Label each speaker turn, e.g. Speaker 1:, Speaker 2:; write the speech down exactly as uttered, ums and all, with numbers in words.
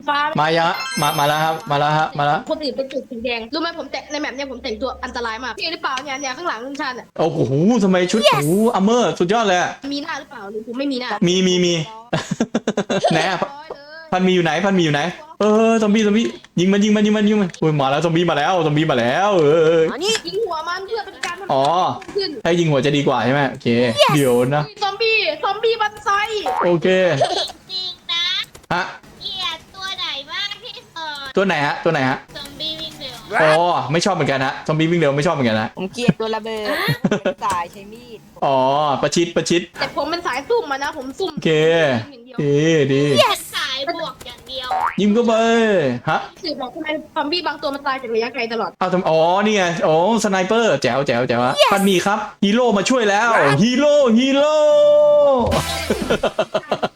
Speaker 1: ฟ้า
Speaker 2: มายังฮะมามาแล้วครับมาแล้วฮะมาแล้ว
Speaker 1: คนอื่นเป็นจุดสีแดงรู้ไหมผมแต่งในแมปเนี่ยผมแต่งตัวอันตรายมากพี่หรือเปล่าเนี่ยเนี่ยข้างหลังลุงชันอ่ะ
Speaker 2: โอ้โหทำไมชุดโอ้โหอัมเมอร์สุดยอดเลยอะ
Speaker 1: มีหน้าหรือเปล่าหรือผมไม่มีหน้า
Speaker 2: มีมีมี ไหนอะ
Speaker 1: ร้อยเลย
Speaker 2: พันมีอยู่ไหนพันมีอยู่ไหนเออซอมบี้ซอมบี้ยิงมันยิงมันยิงมันยิงมันโอ้ยมาแล้วซอมบี้มาแล้วซอมบี้มาแล้วเออ
Speaker 1: ยิงหัวมันเพื่อเป็นการทำ
Speaker 2: อ๋อ
Speaker 1: ขึ้น
Speaker 2: ให้ยิงหัวจะดีกว่าใช่ไหมโอเคเดี๋ยวนะ
Speaker 1: ซอมบี้ซอมบี้บันไซ
Speaker 2: โอเค
Speaker 3: จริงนะ
Speaker 2: ฮะ
Speaker 3: เกลียดตัวไหนมากที่สุด
Speaker 2: ตัวไหนฮะตัวไหนฮะ
Speaker 3: ซอมบี้วิ่งเร็ว
Speaker 2: อ๋อไม่ชอบเหมือนกันฮะซอมบี้วิ่งเร็วไม่ชอบเหมือนกันนะ
Speaker 4: ผมเกลียดตัวระเบิดสายใช้มีด
Speaker 2: อ๋อประชิดประชิด
Speaker 1: แต่ผมเป็นสายซุ่มมานะผมซุ่ม
Speaker 2: โอเค
Speaker 1: อย่างเดียว
Speaker 2: ดีดี
Speaker 3: เป็นสายบวกอย่างเดียว
Speaker 2: ยิงก็ไปฮะ
Speaker 1: สืบบอกทำไมซอมบี้บางตัวมันตายจากระยะไกลตลอด
Speaker 2: เอาทำอ๋อนี่ไงอ๋อสไนเปอร์แจ๋วแจ๋วแจ๋วอะพันมีครับฮีโร่มาช่วยแล้วฮีโร่ฮีโร่